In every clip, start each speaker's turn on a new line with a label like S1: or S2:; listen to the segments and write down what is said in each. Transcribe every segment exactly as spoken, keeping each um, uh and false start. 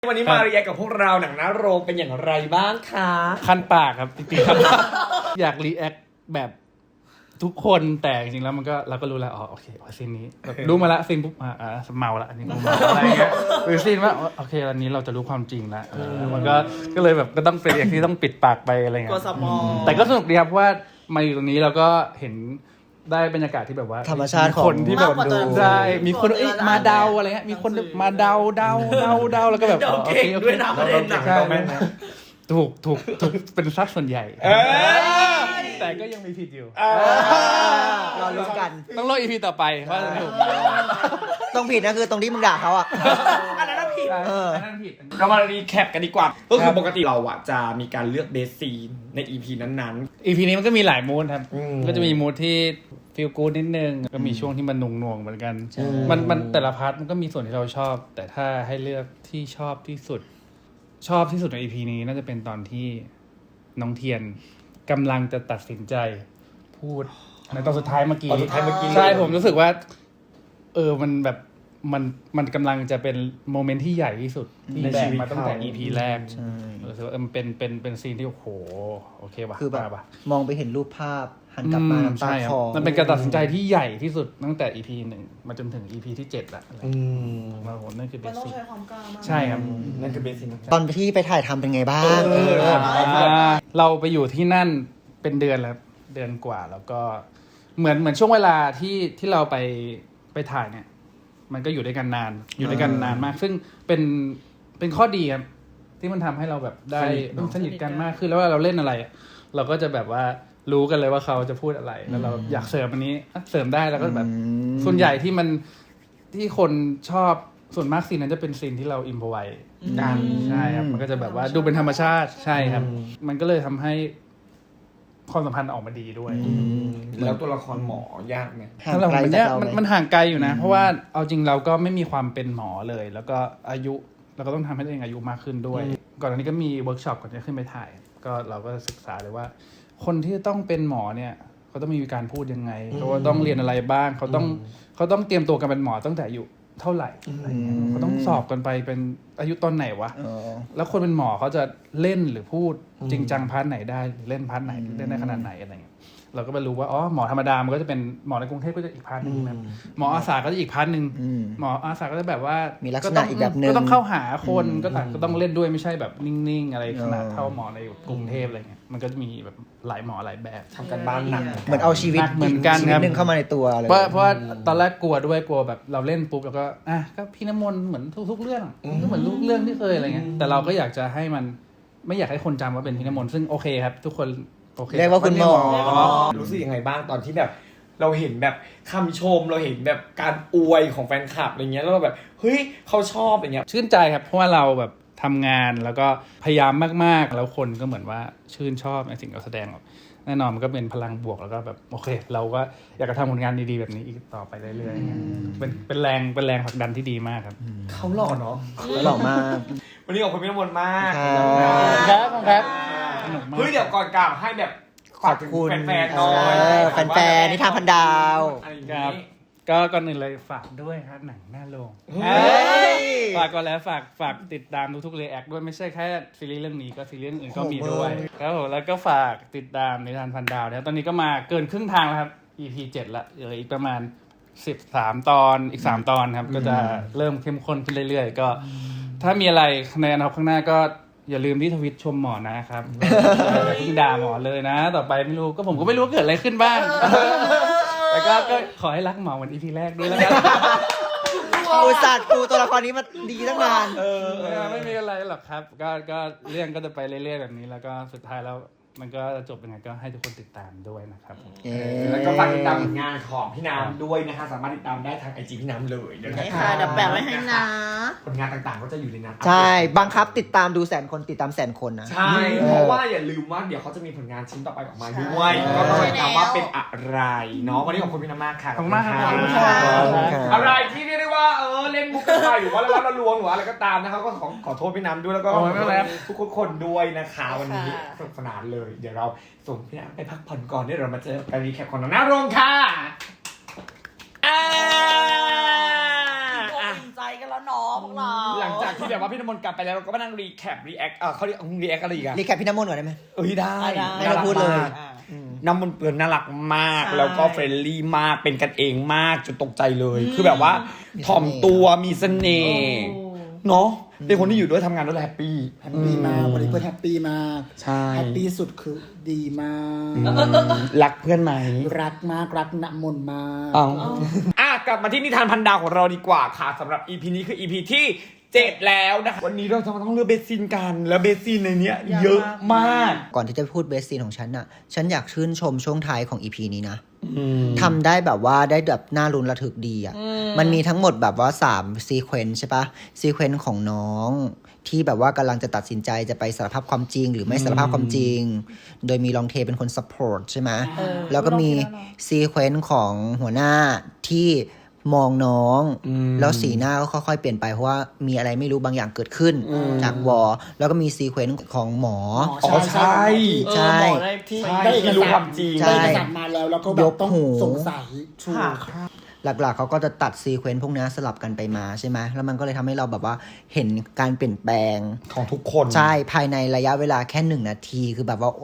S1: วันนี้มาเรียนกับพวกเราหนังหน้าโรงเป็นอย่างไรบ้างคะ
S2: คันปากครับจริงๆครับ อยากรีแอคแบบทุกคนแต่จริงๆแล้วมันก็เราก็รู้แล้วอ๋อโอเคซีนนี้รู้มาละซีนปุ๊บอ่าอ่าเมาละอันนี้เมาอะไรเงี้ยหรือซีนว่าโอเคอันนี้เราจะรู้ความจริงละมันก็ก็เลยแบบก็ต้องเป็นอย่างที่ต้องปิดปากไปอะไรเงี้ย
S3: ก็สมอง
S2: แต่ก็สนุกดีครับเพราะว่ามาอยู่ตรงนี้เราก็เห็นได้บรรยากาศที่แบบว่า
S4: ธรรมชาติของ
S2: คนที่แบบดูได้มีคนมาเดาอะไรเงี้ยมีคนมาเดาเดาเดาเดาแล้วก็แบบโอเคโอเค
S1: ด้วยนะประเด็นหนังเราแม่นนะ
S2: ถูกถูกถูกเป็นซักส่วนใหญ่แต่ก็ยังมีผิดอยู่
S4: รอลุ้นกัน
S2: ต้องรออีพีต่อไปว่าจะถูก
S4: ต้องผิดนะคือตรงที่มึงด่าเขาอ่ะ
S1: อันนั้นผิด
S2: เอออันนั้นผิด
S1: เรามารีแคปกันดีกว่าก็คือปกติเราอะจะมีการเลือกเบสซีนใน อี พี นั้น
S2: ๆ อี พี นี้มันก็มีหลายมูดครับก็จะมีมูดที่ฟีลกู๊ดนิดนึงก็มีช่วงที่มันหน่วงๆเหมือนกันมันมันแต่ละพาร์ทมันก็มีส่วนที่เราชอบแต่ถ้าให้เลือกที่ชอบที่สุดชอบที่สุดใน อี พี นี้น่าจะเป็นตอนที่น้องเทียนกำลังจะตัดสินใจพูดในตอนสุดท้ายเมื่อกี้ใช่ผมรู้สึกว่าเออมันแบบมันมันกำลังจะเป็นโมเมนต์ที่ใหญ่ที่สุดที่แบกมาตั้งแต่ อี พี แรกรู้สึกว่ามันเป็นเป็นเป็นซีนที่โอ้โหโอเคป่ะ
S4: คือแบบมองไปเห็นรูปภาพหันกลับมาน้ำตาคลอ
S2: มันเป็นการตัดสินใจที่ใหญ่ที่สุดตั้งแต่ อี พี หนึ่งมาจนถึง อี พี ที่เจ็ดละอืมมาโหนั่นคือเบสิกใช่ครับ
S1: นั่นคือเบสิก
S4: ตอนที่ไปถ่ายทำเป็นไงบ้าง
S2: เราไปอยู่ที่นั่นเป็นเดือนแล้วเดือนกว่าแล้วก็เหมือนเหมือนช่วงเวลาที่ที่เราไปไปถ่ายเนี่ยมันก็อยู่ด้วยกันนานอยู่ด้วยกันนานมากซึ่งเป็นเป็นข้อดีครับที่มันทำให้เราแบบได้สนิทกันมากขึ้นแล้วว่าเราเล่นอะไรเราก็จะแบบว่ารู้กันเลยว่าเขาจะพูดอะไรแล้วเราอยากเสริมอันนี้เสริมได้แล้วก็แบบส่วนใหญ่ที่มันที่คนชอบส่วนมากซีนนั้นจะเป็นซีนที่เราอิมพอไว้กันใช่ครับมันก็จะแบบว่าดูเป็นธรรมชาติใช่ครับมันก็เลยทำให้ความสัมพันธ์ออกมาดีด้วย
S1: แล้วตัวละครหมอยากไหม
S4: ห่างไกลจากเราไหม
S2: มันห่างไกลอยู่นะเพราะว่าเอาจริงเราก็ไม่มีความเป็นหมอเลยแล้วก็อายุเราก็ต้องทำให้ตัวเองอายุมากขึ้นด้วยก่อนหน้านี้ก็มีเวิร์กช็อปก่อนจะขึ้นไปถ่ายก็เราก็ศึกษาเลยว่าคนที่ต้องเป็นหมอเนี่ยเขาต้องมีการพูดยังไงเขาต้องเรียนอะไรบ้างเขาต้องเขาต้องเตรียมตัวกันเป็นหมอตั้งแต่อายุเท่าไหร่อะไรเงี้ยเขาต้องสอบกันไปเป็นอายุตอนไหนวะแล้วคนเป็นหมอเขาจะเล่นหรือพูดจริงจังพาร์ทไหนได้เล่นพาร์ทไหนเล่นได้ขนาดไหนอะไรเงี้ยเราก็ไปรู้ว่าอ๋อหมอธรรมดามันก็จะเป็นหมอในกรุงเทพก็จะอีกพาร์ทนึงนะหมออาสาก็จะอีกพาร์ทนึงหมออาสาก็จะแบบว่า
S4: มีลักษณะอีกแบบนึง
S2: ก็ต้องเข้าหาคนก็ต่างก็ต้องเล่นด้วยไม่ใช่แบบนิ่งๆอะไรขนาดเท่าหมอในกรุงเทพอะไรเงี้ยมันก็จะมีแบบหลายหมอหลายแบบ
S1: ทำกันบ้านหนัก
S4: เหมือนเอาชีวิต
S2: เหมือนกัน
S4: ครับนึงเข้ามาในตัวเลย
S2: เพราะเพราะตอนแรกกลัวด้วยกลัวแบบเราเล่นปุ๊บแล้วก็อ่ะก็พี่น้ำมนต์เหมือนทุกๆเรื่องก็เหมือนทุกเรื่องที่เคยอะไรเงี้ยแต่เราก็อยากจะให้มันไม่อยากให้คนจำว่าเป็นพี่น้ำมนต์ซึ่งโอเคครับทุกคน
S4: เรียกว่าคุณหมอ
S1: รู้สึกยังไงบ้างตอนที่แบบเราเห็นแบบคำชมเราเห็นแบบการอวยของแฟนคลับอะไรเงี้ยแล้วเราแบบเฮ้ยเขาชอบอะไรเงี้ย
S2: ชื่นใจครับเพราะว่าเราแบบทำงานแล้วก็พยายามมากๆแล้วคนก็เหมือนว่าชื่นชอบในสิ่งที่เราแสดงออกแน่นอนมันก็เป็นพลังบวกแล้วก็แบบโอเคเราก็อยากจะทำผลงานดีๆแบบนี้อีกต่อไปเรื่อยๆเป็นเป็นแรงเป็นแรงผลักดันที่ดีมากครับ
S1: เขาหล่อเนาะ
S4: หล่อมาก
S1: วันนี้ขอบคุณพี่น้ำมนต์มาก
S2: ครับครับ
S1: เฮ้ยเดี๋ยวก่อนกลับให้แบบ
S4: ขอบคุณ
S1: แฟนๆหน่อย
S4: แฟนๆนิทานพันดาว
S2: ครับก็ก่อนอื่นเลยฝากด้วยครับหนังหน้าโรงฝากก่อนแล้วฝากฝากติดตามทุกๆรีแอคด้วยไม่ใช่แค่ซีรีส์เรื่องนี้ก็ซีรีส์อื่นก็มีด้วยครับผมแล้วก็ฝากติดตามนิทานพันดาวนะครับตอนนี้ก็มาเกินครึ่งทางแล้วครับ อี พี เจ็ดละเหลืออีกประมาณสิบสามตอนอีกสามตอนครับก็จะเริ่มเข้มข้นขึ้นเรื่อยๆก็ถ้ามีอะไรในอนาคตข้างหน้าก็อย่าลืมที่ทวิตชมหมอนะครับอย่าเพิ่งด่าหมอเลยนะต่อไปไม่รู้ก็ผมก็ไม่รู้เกิดอะไรขึ้นบ้างแต่ก็ก็ขอให้รักหมอเหมือน อี พี แรกด้วยแล้วกัน
S4: อุตส่าห์ปูตัวละครนี้มาดีตั้งนาน
S2: เออไม่มีอะไรหรอกครับก็ก็เรื่องก็จะไปเรื่อยๆแบบนี้แล้วก็สุดท้ายแล้วมันก็จะจบยังไงก็ให้ทุกคนติดตามด้วยนะครับ
S1: แล้วก็ฝากติดตามผลงานของพี่น้ำด้วยนะคะสามารถติดตามได้ทาง ไอ จี พี่น้ำเลย
S3: นะคะเดี๋ยวแปะไว้ให้นะ
S1: ผลงานต่างๆก็จะอยู่ในนั้น
S4: ใช่บังคับติดตามดูแสนคนติดตามแสนคนนะ
S1: ใช่เพราะว่าอย่าลืมว่าเดี๋ยวเขาจะมีผลงานชิ้นต่อไปออกมาด้วยก็ต้องติดตามว่าเป็นอะไรเนาะวันนี้ขอบคุณพี่น้ำมากค่ะ
S2: ขอบคุณมากครับ
S1: อะไรที่เรียกได้ว่าเออเล่นมุกกันไปหรือว่าแล้วเราลวงหรืออะไรก็ตามนะครับก็ขอขอโทษพี่น้ำด้วยแล้วก็ทุกคนด้วยนะคะวันนี้สนุกสนานเลยเดี๋ยวเราส่งพี่น้ำไปพักผ่อนก่อนเดี๋ยวเรามาเจอกันรีแคปของหน้าโรงค่ะ
S3: อ่าอิ่มใจกันแล้วเนาะพวกเรา
S1: หลังจากที่แบบว่าพี่น้ำมนต์กลับไปแล้วเราก็มานั่งรีแคปรีแอคเออเขาเรียกรีแอคอะไรอีกอะ
S4: รีแคปพี่น้ำมนต์ก่อนได้ไหม
S1: เอ้ยได้
S3: ได้
S4: ไม่ต้องพูดเลย
S1: น่ารักมาก น้ำมันเปื้อนน่ารักมาก
S3: ใช่
S1: แล้วก็เฟรนลี่มากเป็นกันเองมากจนตกใจเลย คือแบบว่าถ่อมตัวมีเสน่ห์เนาะเป็นคนที่อยู่ด้วยทำงานด้วยแฮปปี้
S5: แฮปปี้มากวันนี้เพื่อนแฮปปี้มาก
S1: ใช่
S5: แฮปปี้สุดคือดีมาก
S1: รักเพื่อนไหม
S5: รักมากรักน้ำมนต์มาก
S1: เอาอ่ะกลับมาที่นิทานพันดาวของเราดีกว่าค่ะสำหรับ อี พี นี้คือ อี พี ที่เจ็ดแล้วนะคะวันนี้เราจะมาต้องเลือกเบสซินกันแล้วเบสซินในเนี้ยเยอะมาก
S4: ก่อนที่จะพูดเบสซีนของฉันน่ะ ฉันอยากชื่นชมช่วงท้ายของ อี พี นี้นะ
S1: อืม
S4: ทำได้แบบว่าได้แบบน่ารุนระทึกดีอ่ะ มันมีทั้งหมดแบบว่า3ซีเควนซ์ใช่ปะซีเควนซ์ของน้องที่แบบว่ากำลังจะตัดสินใจจะไปสารภาพความจริง หรือไม่สารภาพความจริง โดยมีลองเทเป็นคนซัพพอร์ตใช่ไหม
S3: เออ
S4: แล้วก็มีซีเควนซ์ของหัวหน้าที่มองน้อง
S1: อืม
S4: แล้วสีหน้าก็ค่อยๆเปลี่ยนไปเพราะว่ามีอะไรไม่รู้บางอย่างเกิดขึ้นจากวอแล้วก็มีซีเควนซ์ของหมอ
S1: อ๋อใช่
S4: ใช่
S3: เออบอกได้ที่
S1: ใช่
S5: ได้เอก
S1: ที่
S5: สาร
S1: รู้ความจริง
S4: ใช่
S5: ได้เอกสารมาแล้วแล้วก็แบบต้อง
S4: ยกหู
S5: สงสัยถูก
S3: ค่ะ
S4: หลักๆเขาก็จะตัดซีเควนซ์พวกนี้สลับกันไปมาใช่ไหมแล้วมันก็เลยทำให้เราแบบว่าเห็นการเปลี่ยนแปลง
S1: ของทุกคน
S4: ใช่ภายในระยะเวลาแค่หนึ่งนาทีคือแบบว่า โอ้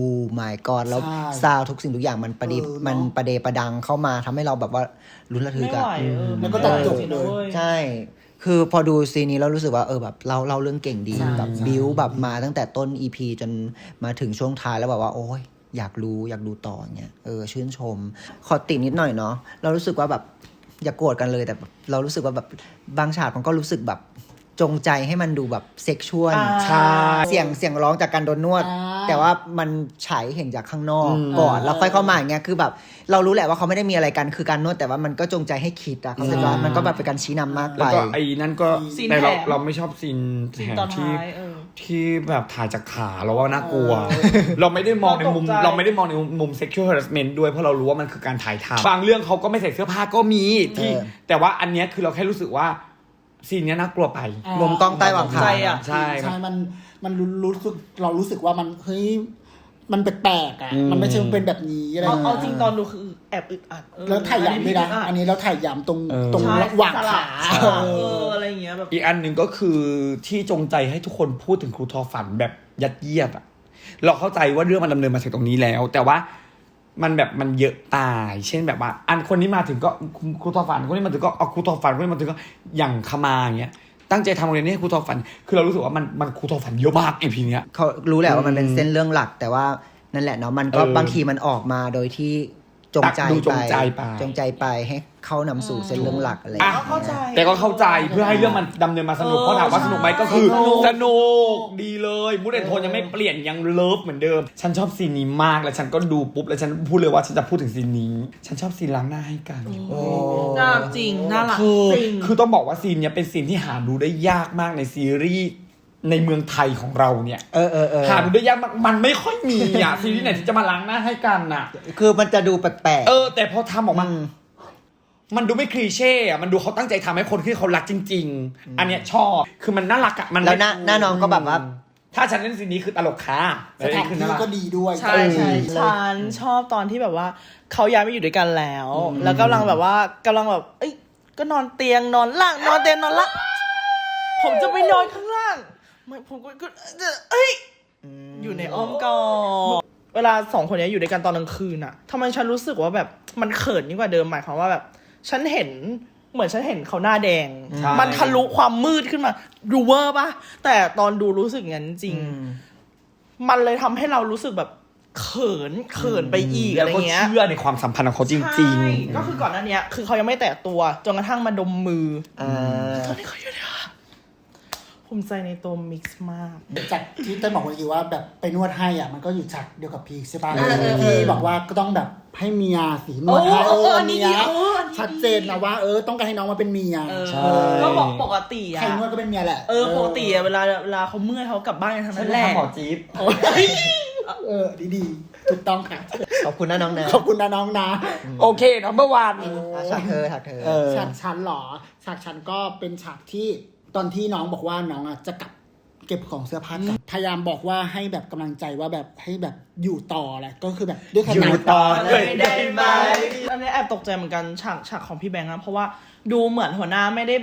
S4: my god แล้ว
S5: ใช่
S4: ซาวด์ทุกสิ่งทุกอย่างมันประดิษฐ์
S5: เออเนอะ
S4: มันประเดประดังเข้ามาทำให้เราแบบว่าลุ้นระทึ
S3: ไม่
S4: ก
S3: ไหว
S4: อะ
S3: เออ
S5: แล้วก็ตัดจบเลย
S4: ใช่ คือพอดูซีนนี้แล้วรู้สึกว่าเออแบบเราเราเรื่องเก่งดี
S5: ใช่
S4: แบบ
S5: ใช่
S4: บิวแบบมาตั้งแต่ต้น อี พี จนมาถึงช่วงท้ายแล้วแบบว่า โอ้ยอยากรู้อยากดูต่อเงี้ยเออชื่นชม ขอตินิดหน่อยเนาะเรารู้สึกว่าแบบอย่าโกรธกันเลยแต่แบบเรารู้สึกว่าแบบบางฉากมันก็รู้สึกแบบจงใจให้มันดูแบบเซ็กชวล
S3: อ่า
S1: ใช่
S4: เสียงเสียงร้องจากการโดนนวด
S5: อ่า
S4: แต่ว่ามันฉายเห็นจากข้างนอก
S1: อืม
S4: ก่อนแล้วค่อยเข้ามาอย่างเงี้ยคือแบบ เรารู้แหละว่าเขาไม่ได้มีอะไรกันคือการนวดแต่ว่ามันก็จงใจให้คิดอะเขาใจว่ามันก็แบบเป็นการชี้นำมาก
S1: แล้
S4: ไป
S1: วก็ไอ้นั่นก็
S3: ซีน
S1: แต่เรา
S3: แถม
S1: เราไม่ชอบซีน
S3: ซีน
S1: แถม
S3: ตอน
S1: ที่
S3: ท้ายเออ
S1: ที่แบบถ่ายจากขาเราว่าน่ากลัว เราไม่ได้มองในมุม
S3: เราตกใจ
S1: เราไม่ได้มองในมุม sexual harassment ด้วยเพราะเรารู้ว่ามันคือการถ่ายทำบางเรื่องเขาก็ไม่ใส่เสื้อผ้าก็มีที่
S4: เออ
S1: แต่ว่าอันเนี้ยคือเราแค่รู้สึกว่าซีนเนี้ยน่ากลัวไป
S5: อ่า
S4: มุมกล้องใต้หว่างขา
S3: ใจอะ
S1: ใช่
S5: ใช่มันมันรู้รู้สึกเรารู้สึกว่ามันเฮ้ยมันแปลกๆอ่ะมันไม่ใช่เป็นแบบนี้อะไร
S3: เอา
S5: ย่ย
S3: เอาจริงตอนดูคือแอบอึดอัดเออ
S5: แล้วถ่ายยามด้วยนะ
S3: อั
S5: อันนี้เราถ่ายยามตรง
S1: เออ
S5: ตรง
S3: ใช่
S5: ระหว่าง
S3: สลั
S5: ขา
S3: บ
S5: เอ
S3: เอ
S5: อ
S3: ออะไรอย่างเงี้ยแบบ
S1: อีกอันหนึ่งก็คือที่จงใจให้ทุกคนพูดถึงครูทอฝันแบบยัดเยียดอะเราเข้าใจว่าเรื่องมันดำเนินมาถึงตรงนี้แล้ว แต่ว่ามันแบบมันเยอะตาย เช่นแบบว่า อันคนนี้มาถึงก็ครูทอฝันคนนี้มาถึงก็เอาครูทอฝันคนนี้มาถึงก็อย่างขมาอย่างเงี้ยตั้งใจทำโรงเรียนนี้ให้ครูทอฝัน คือเรารู้สึกว่ามันมันครูทอฝันเยอะมากอีพีเนี้ย
S4: เขารู้แหละว่ามันเป็นเส้นเรื่องหลัก แต่ว่านั่นแหละเนาะมันก็
S1: เออบ
S4: างทีมันออกมาโดยที่จงใจ
S1: ดูจงใจไป
S4: จงใจไปให้เข้านำสู่เส้นเรื่องหลักอะไร
S1: อ่ะ
S3: ก็เข้าใจ
S1: แต่ก็เข้าใจเพื่อให้เรื่องมันดำเนินมาสนุก
S3: เออ
S1: เพราะถามว่าสนุกไหมก็คือ
S3: สนุก
S1: สนุกดีเลยมูดแอนโทนยังไม่เปลี่ยนยังเลิฟเหมือนเดิม ฉันชอบซีนนี้มากแล้วฉันก็ดูปุ๊บแล้วฉันพูดเลยว่าฉันจะพูดถึงซีนนี้ ฉันชอบซีนล้างหน้าให้กัน
S3: น่ารักจริงน่ารัก
S1: คือ
S3: จริง
S1: คือต้องบอกว่าซีนเนี้ยเป็นซีนที่หาดูได้ยากมากในซีรีส์ในเมืองไทยของเราเนี่ย
S4: เออเออเออ
S1: หาดูได้ยากมากมันไม่ค่อยมีอ่ะ ซีรีส์ไหนที่จะมาล้างหน้าให้กันน่ะ
S4: คือมันจะดูแปลกๆ
S1: เออ แต่พอทำออกมา
S4: อืม
S1: มันดูไม่คลีเช่อะมันดูเขาตั้งใจทำให้คนที่เขารักจริง ๆ อันเนี้ยชอบ คือมันน่ารักอะมัน
S4: แล้วหน้าหน้าน้องก็แบบว่า
S1: ถ้าฉันเล่นซีนนี้คือตลกค่ะ
S5: สถาน
S1: คือ
S5: ที่
S1: น่ารัก
S5: ก็ดีด้วย
S3: ใช่ใช่
S5: เออ
S3: ฉันชอบตอนที่แบบว่าเขาย้ายมาอยู่ด้วยกันแล้ว แล้วกำลังแบบว่ากำลังแบบ เอ้ย ก็นอนเตียงนอนล่างนอนเตียงนอนล่างผมจะไปนอนข้างล่างไม่ผมก็ก็เอ้ยอยู่ในอ้อมกอดเวลาสองคนนี้อยู่ด้วยกันตอนกลางคืนอะทำไมฉันรู้สึกว่าแบบมันเขินยิ่งกว่าเดิมหมายความว่าแบบ ฉันเห็นเหมือนฉันเห็นเขาหน้าแดง
S1: ใช่
S3: มันทะลุความมืดขึ้นมาดูเวอร์ปะแต่ตอนดูรู้สึกงั้นจริง มันเลยทำให้เรารู้สึกแบบเขินเขินไปอีก
S1: แล้
S3: อะ
S1: ว
S3: ไร
S1: ก็
S3: เงี้ย
S1: เชื่อในความสัมพันธ์ของเขาจริง
S3: ใช่ก็คือก่อนหน้านี้คือเขายังไม่แตะตัวจนกระทั่งมาดมมือ
S4: อ่า
S3: ตอนนี้เขาอยู่เนี่ยภูมิใจในตัวมิกซ์มาก
S5: จากที่เต้นบอกเมื่อกี้ว่าแบบไปนวดให้อ่ะมันก็อยู่ฉากเดียวกับพีคใช่ปะ
S3: เออเออเออ
S5: ที่บอกว่าก็ต้องแบบให้เมียสีนวดให้
S3: โอ้
S5: เอ
S3: โอ้
S5: อ
S3: อั
S5: อั
S3: น
S5: น
S3: นี้
S5: เนี้ย
S3: ดีเอออันนี้ดี
S5: ชัดเจนนะว่าเออต้องการให้น้องมาเป็นเมีย
S3: เออ
S1: ใช่
S3: ก็บอกปกติอะ
S5: ใครนวดก็เป็นเมียแหละ
S3: เออปกติอะเวลาเวลาเขาเมื่อยเขากลับบ้านกันทั้ง
S1: ฉั
S3: นั้น นแหละ
S1: ทำหมอจี๊บ
S5: เออดีดีๆถูกต้องค่ะ
S4: ขอบคุณนะน้องนะ
S5: ขอบคุณนะน้องนะ
S1: โอเคนัมเบอร์วัน
S4: อ่ะฉากเธอฉากเธอ
S1: เออ
S5: ฉากชั้นหรอฉากชั้นก็เป็นฉากที่ตอนที่น้องบอกว่าน้องอ่ะจะกลับเก็บของเสื้อผ้ากลับพยายามบอกว่าให้แบบกำลังใจว่าแบบให้แบบอยู่ต่อแหละก็คือแบบด้วยข
S1: อยู่
S5: นาด
S1: ต่อ
S3: เลยได้ไหมอันนี้แอบตกใจเหมือนกันฉากฉากของพี่แบงค์นะเพราะว่าดูเหมือนหัวหน้าไม่ได้แบบ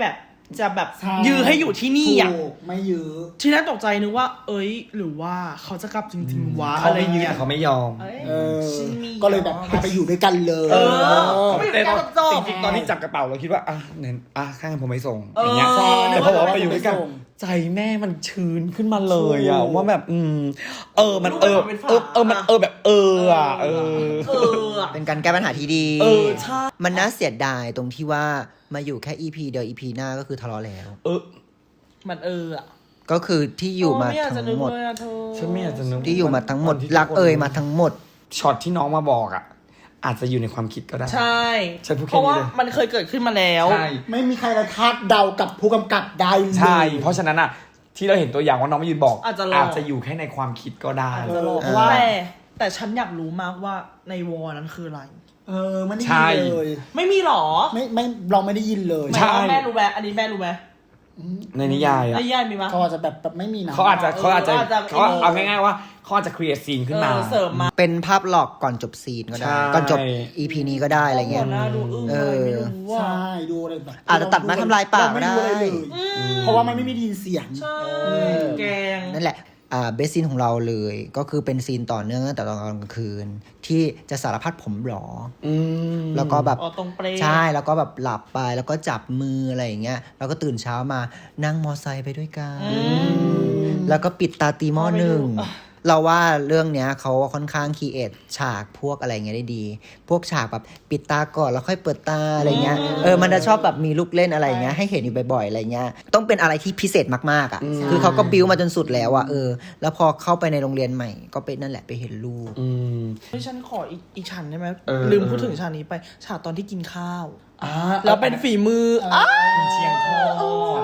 S3: จะแบบ
S5: ใช่
S3: ยื้อให้อยู่ที่นี่อ่ะ
S5: ถูกไม่ยื้อ
S3: ทีแรกตกใจนึกว่า เอ้ย หรือว่าเขาจะกลับจริงๆวะ
S1: เขา
S3: อะไร
S1: ไม่ยืน
S3: เงี้ย
S1: เขาไม่ยอม
S3: เอ้ย
S5: เออ
S3: ฉันมี
S5: ก็เลยแบบพาไปอยู่ด้วยกันเลย
S3: เออ
S5: เออ
S3: ไม่
S1: แต่ตอน
S3: จบ
S1: จริงๆตอนที่จับกระเป๋าเราคิดว่าอ่ะเนี่ยอ่ะข้างผมไปส่ง
S3: เออ
S1: อย่างเงี้ย
S5: ใช่
S1: แต่พอบอกว่าไปอยู่ด้วยกัน
S5: ส่ง
S1: ใจแม่มันชื้นขึ้นมาเลยอ่ะ
S5: ถูก
S1: ว่าแบบอืมเออมันเออ
S3: เป็นฝา
S1: เออเออมันเออแบบเอออ่ะเออ
S3: เอออะ
S4: เป็นการแก้ปัญหาที่ดี
S3: เออใช่
S4: มันน่าเสียดายตรงที่ว่ามาอยู่แค่ อี พี เดียว อี พี หน้าก็คือทะเลาะแล้ว
S1: เออ
S3: มันเอออะ
S4: ก็คือที่อยู่มา
S3: โไอยกจะ
S4: ทั้ง
S3: นึก
S4: หมด
S3: เลยอะเธอ
S1: ฉันไม่อยากจะนึก
S4: ที่อยู่มาทั้งหมด
S1: วันที่
S4: รักเอ่ยมาทั้งหมด
S1: ช็อตที่น้องมาบอกอ่ะ อาจจะอยู่ในความคิดก็ได้
S3: ใช่
S1: ฉันพูดแค่
S3: เพราะว่า
S1: นี้เลย
S3: มันเคยเกิดขึ้นมาแล้ว
S1: ใช่
S5: ไม่มีใครละคาดเดากับผู้กำกับได้เลย
S1: ใช่ เพราะฉะนั้นอ่ะ ที่เราเห็นตัวอย่างว่าน้องมายืนบอก
S3: อาจจะหลอก
S1: อาจจะอยู่แค่ในความคิดก็ได้
S3: อาจจะหลอก
S5: เพราะว่า
S3: แต่แต่ฉันอยากรู้มากว่าในวอลนั้นคืออะไร
S5: เออไม่ได้
S1: ใช่
S5: ยินเลย
S3: ไม่มีหรอ
S5: ไม่ไม่เราไม่ได้ยินเลย
S3: หมายความว่าแม่รู้ไหมอันนี้แม่รู้ไหม
S1: ในนิยายอ่ะ
S3: ในยายมีมั้ย
S5: เขาอาจจะแบบแบบไม่มีนะ
S1: เขาอาจจะเขาอาจจะ
S3: เอออาจจะ
S1: เขาเอาง่ายๆว่าเขาอาจจะ create scene ขึ้นมา
S3: เออเสริมมา
S4: เป็นภาพหลอกก่อนจบซีนก็ได้
S1: ใช่
S4: ก่อนจบ อี พี นี้ก็ได้อะไรเงี้ย
S3: หน้าดูอึ้ง
S4: เอ
S3: เลย
S4: อ
S3: ไม่รู้ว่า
S5: ใช่ดูอะไรแบบ
S4: อาจจะตัดมาทำลายปากก็ได้
S5: เรม่รู้อะไรเลยเพราะว่ามันไม่มีได้ยินเสียง
S3: ใช่
S5: เออ
S3: แกง
S4: นั่นแหละ อ่าเบสซีนของเราเลยก็คือเป็นซีนต่อเนื่องตั้งแต่ตอนกลางคืน ที่จะสารพัดผมหรอ
S1: อืม
S4: แล้วก็แบบ
S3: อ๋อตรงเปรย์
S4: ใช่แล้วก็แบบหลับไปแล้วก็จับมืออะไรอย่างเงี้ยแล้วก็ตื่นเช้ามานั่งมอไซค์ไปด้วยกัน แล้วก็ปิดตาตีหม้อหนึ่ง เราว่าเรื่องเนี้ยเขาค่อนข้างคีเอทฉากพวกอะไรเงี้ยได้ดี พวกฉากแบบปิดตาก่อนแล้วค่อยเปิดตาอะไรเงี้ยเออมันจะชอบแบบมีลูกเล่นอะไรเงี้ยให้เห็นอยู่บ่อยๆอะไรเงี้ยต้องเป็นอะไรที่พิเศษมากๆอ่ะคือเขาก็บิวมาจนสุดแล้วอ่ะเออแล้วพอเข้าไปในโรงเรียนใหม่ก็เป็นนั่นแหละไปเห็นลูก
S1: อืม
S3: เฮ้ยฉันขออีกอีกฉากได้ไหม
S1: เออ
S3: ลืมพูดถึงฉากนี้ไปฉากตอนที่กินข้าว
S1: อ่า
S3: แล้วเป็นฝีมืออ่ะ
S1: เชียงทอง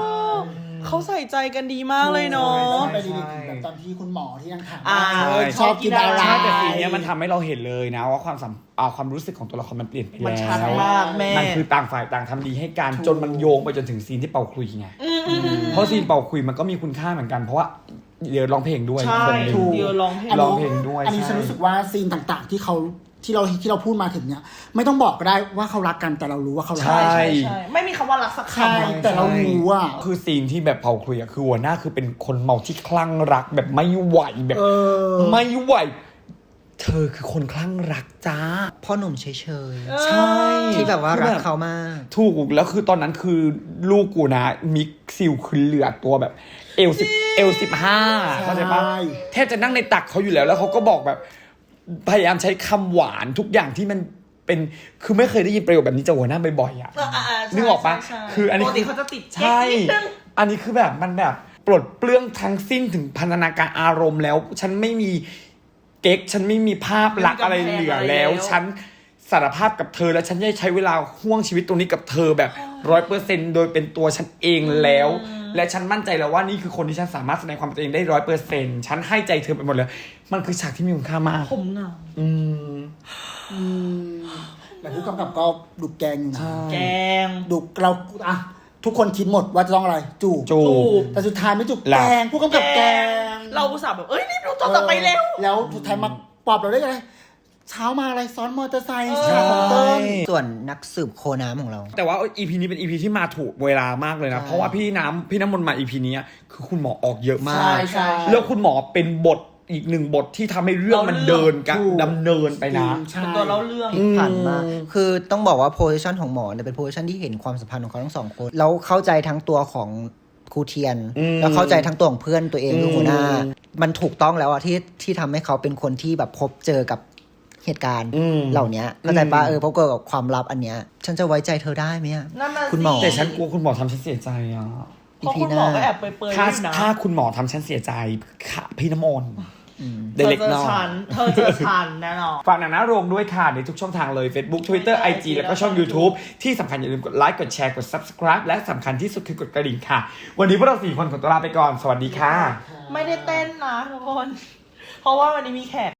S3: เขาใส่ใจกันดีมากเลยเนาะ
S5: ไปดีๆถึงแบบตอนที่คุณหมอที่ยังถาม
S3: อ่า
S5: ว่าเออชอบกินอะไร
S1: ใช่แต่ซีนเนี้ยมันทำให้เราเห็นเลยนะว่าความสัมอ่าความรู้สึกของตัวละครมันเปลี่ยนไป
S3: มัน
S1: แล้
S3: ชัด
S1: ว
S3: มากแม่
S1: มันคือต่างฝ่ายต่างทำดีให้กันจนมันโยงไปจนถึงซีนที่เป่าคลุยไงเพราะซีนเป่าคลุยมันก็มีคุณค่าเหมือนกันเพราะว่าเดี๋ยวร้องเพลงด้วย
S3: ใช่
S1: คนหนึ่ง
S5: ถูก
S3: เดียวร้องเพลง
S1: ร้องเพลงด้วย
S5: อันนี้
S1: ใช่
S5: ฉันรู้สึกว่าซีนต่างๆ ที่เขาที่เราที่เราพูดมาถึงเนี่ยไม่ต้องบอกก็ได้ว่าเขารักกันแต่เรารู้ว่าเขารัก
S1: ใช่
S3: ใช่ใช่ไม่มีคำว่ารักสัก
S5: ใช่
S3: คำ
S5: แต่เรารู้ว่า
S1: คือซีนที่แบบเผาคลุยอะคือหัวหน้าคือเป็นคนเมาที่คลั่งรักแบบไม่ไหวแบบ
S5: เออ
S1: ไม่ไหว เธอคือคนคลั่งรักจ้า
S4: พ่อหนุ่มเฉย
S1: ใช่
S4: ๆที่แบบว่ารักเขามาก
S1: ถูกแล้วคือตอนนั้นคือลูกกูนะมิกซิลคือเหลือตัวแบบเอลสิบเอลสิบห้าเข้าใจปะ
S5: ใช่
S1: แทบจะนั่งในตักเขาอยู่แล้วแล้วเขาก็บอกแบบพยายามใช้คำหวานทุกอย่างที่มันเป็นคือไม่เคยได้ยินประโยคแบบนี้จากหัวหน้าบ่อยๆอ่ะ
S3: เอออ่าๆใช่
S1: นึกออกปะ
S3: ใช่
S1: คืออันนี้
S3: ปกติเขาจะติด
S1: ใช่
S3: เก๊กนิดนึง
S1: อันนี้คือแบบมันแบบปลดเปลื้องทั้งสิ้นถึงพันธนาการอารมณ์แล้ว ฉันไม่มีเก๊กฉันไม่มีภาพลักษณ์อะไรเหลือแล้ว ฉันสารภาพกับเธอแล้วฉันจะใช้เวลาห่วงชีวิตตรงนี้กับเธอแบบร้อยเปอร์เซ็นต์โดยเป็นตัวฉันเองแล้ว และฉันมั่นใจแล้วว่านี่คือคนที่ฉันสามารถแสดงความเป็นตัวเองได้ร้อยเปอร์เซ็นต์ฉันให้ใจเธอไปหมดเลยมันคือฉากที่มีคุณค่ามาก
S3: ผมเหงา
S1: อืม
S5: อืมแต่ผู้กำกับก็ดุแกงอยู่นะ
S3: แกง
S5: ดุเราอะทุกคนคิดหมดว่าจะต้องอะไรจูบ
S1: จูบ
S5: แต่สุดท้ายไม่จูบ
S1: หลั
S5: แก
S1: บ
S5: งผู้กำกับแกง
S3: เราอุตส่าห์แบบเอ้ยรีบดูตอนต่อไปเร็ว
S5: แล้วสุดท้ายมาปลอบเราได้ไงเช้ามาอะไรซ้อนมอเตอร์ไซค์
S3: เออ
S5: ฉากของเติ้ล
S4: ส่วนนักสืบโคน้ำของเรา
S1: แต่ว่า อี พี นี้เป็น อี พี ที่มาถูกเวลามากเลยนะ
S4: ใช่
S1: เพราะว่าพี่น้ำพี่น้ำมนต์มา อี พี นี้คือคุณหมอออกเยอะมา
S5: ใช่
S1: ก
S5: ใช่
S1: แล้วคุณหมอเป็นบทอีกหนึ่งบทที่ทำให้เรื่องมันเดินกัน
S5: ถูก
S1: ดำเนินไปนะ
S5: ใช่
S3: เป็นตัวเล่าเรื่อง
S4: พลิกผันมากคือต้องบอกว่าโพสิชันของหมอเนี่ยเป็นโพสิชันที่เห็นความสัมพันธ์ของเขาทั้งสองคน แล้วเข้าใจทั้งตัวของครูเทียน
S1: อืม
S4: แล้วเข้าใจทั้งตัวของเพื่อนตัวเองคือหัวหน้า
S1: อืม
S4: มันถูกต้องแล้วอะที่ที่ทำให้เขาเป็นคนที่แบบพบเจอกับเหตุการณ์
S1: อืม
S4: เหล่านี้เข้าใจปะ
S1: อืม
S4: เออพบเจอกับความลับอันเนี้ย ฉันจะไว้ใจเธอได้ไหมอะ
S3: นั่นน่ะ
S4: คุณหมอ
S3: สิ
S1: แต่ฉันกลัวคุณหมอทำฉันเสียใจอ่ะ
S3: เพราะคุณหมอก็แอบเปรยๆ
S1: ถ้า
S3: ด้วยนะ
S1: ถ้าคุณหมอทำฉันเสียใจค่ะพี่น้ำมนต์
S3: เธ
S1: เด็
S3: อก เจอ
S1: น้อ
S3: ฉั
S1: ย
S3: นเธอเจอฉันแน่นอน
S1: ฝากหนังหน้าโรงด้วยค่ะในทุกช่องทางเลย Facebook Twitter ไอ จี แล้วก็ช่อง YouTube ที่สำคัญอย่าลืมกดไลค์กดแชร์กด Subscribe และสำคัญที่สุดคือกดกระดิ่งค่ะ วันนี้พวกเราสี่คนขอตัวลาไปก่อนสวัสดีค่ะ
S3: ไม่ได้เต้นนะทุกคน เพราะว่าวันนี้มีแขก